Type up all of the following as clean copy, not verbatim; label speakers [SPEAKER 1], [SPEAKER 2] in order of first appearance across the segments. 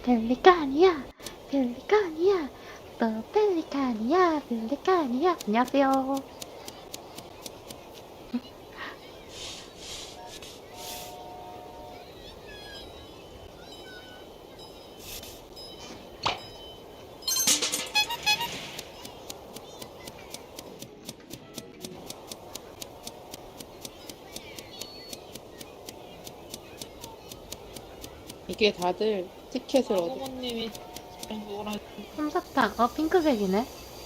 [SPEAKER 1] 펠리칸이야, 펠리칸이야, 또 펠리칸이야, 펠리칸이야. 안녕하세요.
[SPEAKER 2] 이게 다들 티켓을 얻어.
[SPEAKER 3] 부모님이 그거랑
[SPEAKER 1] 솜사탕, 핑크색이네.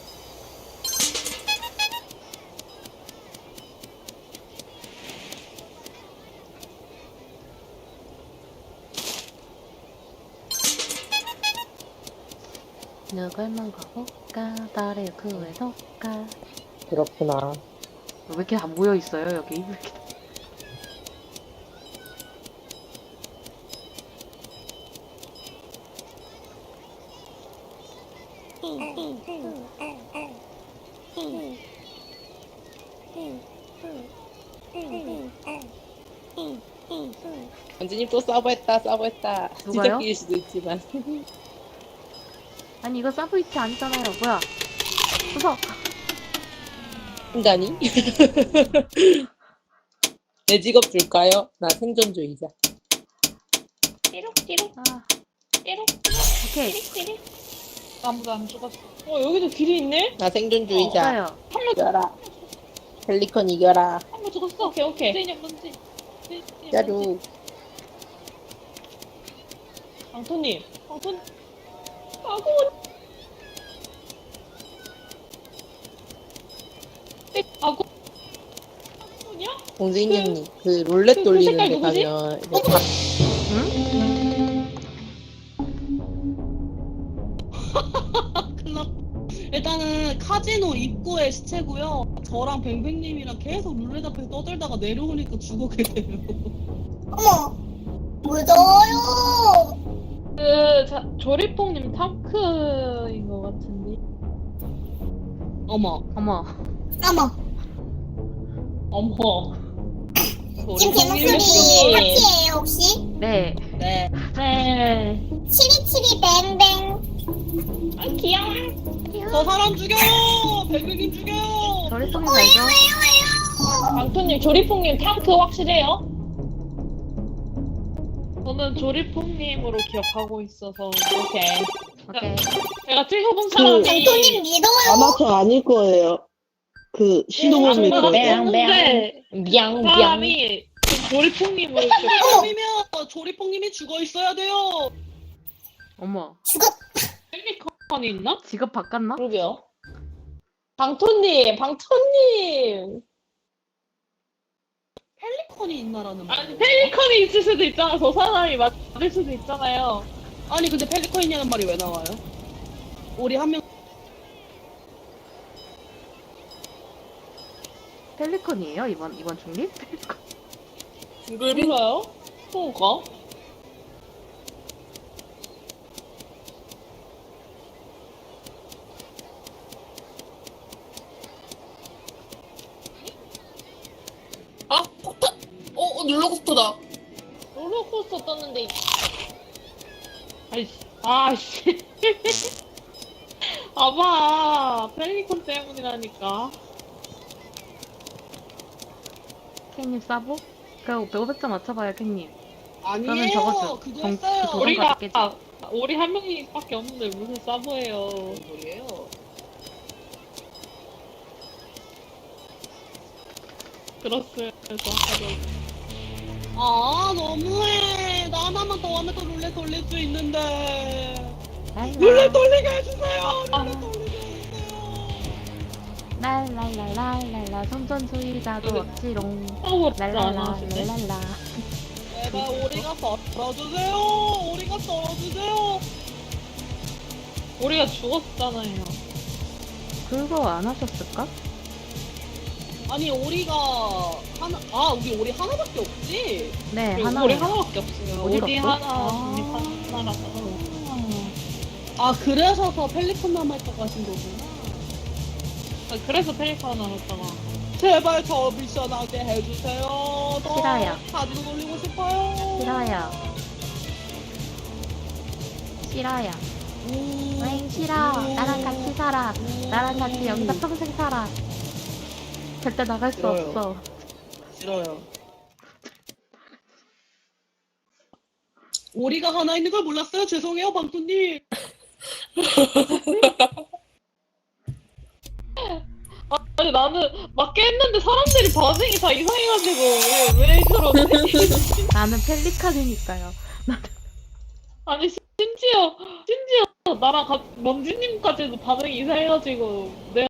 [SPEAKER 1] 누굴 먹어볼까? 나를 구해볼까?
[SPEAKER 2] 그렇구나.
[SPEAKER 1] 왜 이렇게 다 모여있어요, 여기? 왜 이렇게
[SPEAKER 2] 원진님 또 서브했다.
[SPEAKER 1] 누가요?
[SPEAKER 2] 지적일 수도 있지만.
[SPEAKER 1] 아니, 이거 서브이트 아니잖아요. 뭐야? 무서워.
[SPEAKER 2] 인간이? 내 직업 줄까요? 나 생존주의자.
[SPEAKER 3] 띠룩띠룩
[SPEAKER 1] 아,
[SPEAKER 3] 띠룩
[SPEAKER 1] 오케이.
[SPEAKER 3] 띠룩 아무도 안 죽었어. 여기도 길이 있네?
[SPEAKER 2] 나 생존주의자.
[SPEAKER 1] 좋아요.
[SPEAKER 2] 이겨라. 펠리컨 이겨라.
[SPEAKER 3] 한 명 죽었어. 오케이. 문제 문제.
[SPEAKER 2] 야루.
[SPEAKER 3] 방토님. 아고. 아고. 방토냐?
[SPEAKER 2] 공주인형님 그 롤렛 돌리는
[SPEAKER 3] 색깔
[SPEAKER 2] 데
[SPEAKER 3] 누구지?
[SPEAKER 2] 가면 이제
[SPEAKER 1] 응?
[SPEAKER 4] 일단은 카지노 입구에 시체고요. 저랑 뱅뱅님이랑 계속 룰렛 앞에서 떠들다가 내려오니까 죽었게 돼요.
[SPEAKER 5] 어머, 무서워요.
[SPEAKER 3] 조리뽕님 탐크인 것 같은데.
[SPEAKER 4] 어머,
[SPEAKER 1] 어머.
[SPEAKER 5] 어머,
[SPEAKER 3] 어머.
[SPEAKER 5] 지금 제 목소리 파티예요 혹시?
[SPEAKER 1] 네.
[SPEAKER 4] 네.
[SPEAKER 3] 네.
[SPEAKER 5] 치리치리 뱅뱅.
[SPEAKER 3] 아 귀여워.
[SPEAKER 4] 저 사람 죽여! 뱅뱅님 죽여!
[SPEAKER 1] 저리 쏘면 알죠?
[SPEAKER 3] 방토님 조리뽕님 탐크 확실해요? 저는 조리뽕님으로 기억하고 있어서 오케이.
[SPEAKER 1] 오케이.
[SPEAKER 3] 제가 찍어본 사람이
[SPEAKER 5] 장토님 믿어요.
[SPEAKER 6] 아마 저 아닐 거예요. 그 신호범일 거예요.
[SPEAKER 3] 없는데
[SPEAKER 2] 뿅뿅.
[SPEAKER 3] 사람이 조리뽕님으로 기억.
[SPEAKER 4] 사람이면 조리뽕님이 죽어 있어야 돼요.
[SPEAKER 1] 어머.
[SPEAKER 5] 죽었.
[SPEAKER 3] 펠리컨이 있나?
[SPEAKER 1] 직업 바꿨나?
[SPEAKER 2] 그러게요. 방토님.
[SPEAKER 4] 펠리컨이 있나라는 말.
[SPEAKER 3] 아니 펠리컨이 있을 수도 있잖아. 저 사람이 맞을 수도 있잖아요.
[SPEAKER 4] 아니 근데 펠리컨이냐는 말이 왜 나와요? 우리 한 명.
[SPEAKER 1] 펠리컨이에요? 이번 중립? 펠리컨.
[SPEAKER 3] 몰라요? 뭐가?
[SPEAKER 2] 아 폭탄. 롤러코스터다.
[SPEAKER 3] 롤러코스터 떴는데. 아이씨. 아봐. 펠리컨 때문이라니까.
[SPEAKER 1] 캔님 싸보? 그럼 500점 맞춰봐요, 캔님.
[SPEAKER 4] 아니에요.
[SPEAKER 1] 그러면 저거
[SPEAKER 4] 그거
[SPEAKER 1] 정-
[SPEAKER 4] 했어요.
[SPEAKER 1] 그 도전
[SPEAKER 3] 우리가
[SPEAKER 1] 받겠지.
[SPEAKER 3] 우리 한 명밖에 없는데 무슨 사보예요.
[SPEAKER 4] 뭔 소리예요?
[SPEAKER 3] 그렇어요.
[SPEAKER 4] 아 너무해. 나 하나만 더 하면 또 룰렛 돌릴 수 있는데.
[SPEAKER 1] 랄라.
[SPEAKER 4] 룰렛 돌리게 해주세요.
[SPEAKER 3] 아.
[SPEAKER 4] 룰렛 돌리게 해주세요.
[SPEAKER 1] 랄랄랄랄랄라. 손전수의자도 없지롱.
[SPEAKER 3] 랄랄라.
[SPEAKER 1] 랄랄랄랄라.
[SPEAKER 4] 제발 오리가 썰어주세요. 오리가 썰어주세요.
[SPEAKER 3] 우리가 죽었잖아요.
[SPEAKER 1] 그거 안 하셨을까?
[SPEAKER 4] 아니 오리가 우리 오리 하나밖에 없지?
[SPEAKER 1] 네,
[SPEAKER 3] 우리
[SPEAKER 1] 하나.
[SPEAKER 3] 우리 하나밖에 없어요.
[SPEAKER 1] 어디가
[SPEAKER 3] 우리
[SPEAKER 1] 없어?
[SPEAKER 3] 하나,
[SPEAKER 4] 아.
[SPEAKER 3] 중립 하나라서.
[SPEAKER 4] 아 그래서 더 펠리컨 남아있다고 하신 거구나.
[SPEAKER 3] 그래서 펠리컨 나눴다가.
[SPEAKER 4] 제발 저 미션 하게 해주세요. 저
[SPEAKER 1] 싫어요.
[SPEAKER 4] 가지고 돌리고 싶어요.
[SPEAKER 1] 싫어요. 싫어요. 웽 싫어. 나랑 같이 살아. 나랑 같이 여기서 평생 살아. 절대 나갈 수
[SPEAKER 6] 싫어요.
[SPEAKER 1] 없어.
[SPEAKER 6] 싫어요.
[SPEAKER 4] 오리가 하나 있는 걸 몰랐어요. 죄송해요, 방토님.
[SPEAKER 3] 아니 나는 맞게 했는데 사람들이 반응이 다 이상해가지고 왜 그러지?
[SPEAKER 1] 나는 펠리칸이니까요.
[SPEAKER 3] 아니 심지어 나랑 먼지님까지도 반응이 이상해가지고 내가